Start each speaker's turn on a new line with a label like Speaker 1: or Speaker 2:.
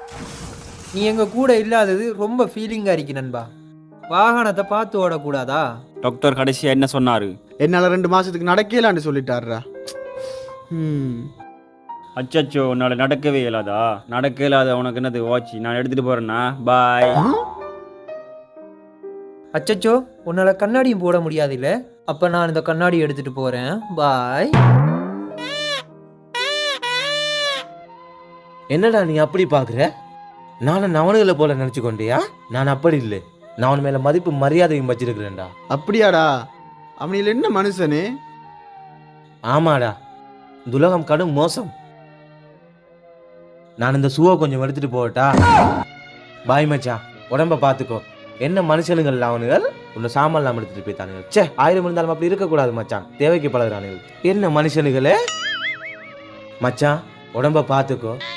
Speaker 1: நீ எங்க கூட இல்லாதது ரொம்ப ஃபீலிங்காக இருக்கு நண்பா. வாகனத்தை பார்த்து ஓடக்கூடாதா?
Speaker 2: டாக்டர் கடைசியாக என்ன சொன்னார்?
Speaker 3: என்னால் 2 மாதத்துக்கு நடக்கலான்னு சொல்லிட்டாருடா.
Speaker 2: அச்சச்சோ, உன்னால் நடக்கவே இயலாதா? நடக்க இயலாத உனக்கு என்னது வாட்சி? நான் எடுத்துகிட்டு போகிறேன்னா பாய்.
Speaker 1: அச்சச்சோ, உன்னால் கண்ணாடியும் போட முடியாது இல்லை? அப்போ நான் இந்த கண்ணாடி எடுத்துகிட்டு போகிறேன். பாய்.
Speaker 4: என்னடா நீ அப்படி பார்க்குற? நானும் நவனுகளை போல நினச்சி கொண்டியா? நான் அப்படி இல்லை. நான் அவன் மேலே மதிப்பு மரியாதையும் வச்சிருக்கிறேன்டா.
Speaker 3: அப்படியாடா? அவனில் என்ன மனுஷனு?
Speaker 4: ஆமாடா, இந்த உலகம் கடும் மோசம். நான் இந்த ஷூவை கொஞ்சம் எடுத்துட்டு போகட்டா? பாய் மச்சான், உடம்ப பார்த்துக்கோ. என்ன மனுஷனுங்கள் அவனுகள் உன்னை சாமான்லாம் எடுத்துட்டு போய்த்தானுங்க. 1000 இருந்தாலும் அப்படி இருக்கக்கூடாது மச்சான். தேவைக்கு பழகுறானுகள். என்ன மனுஷனுங்களே? மச்சான், உடம்ப பார்த்துக்கோ.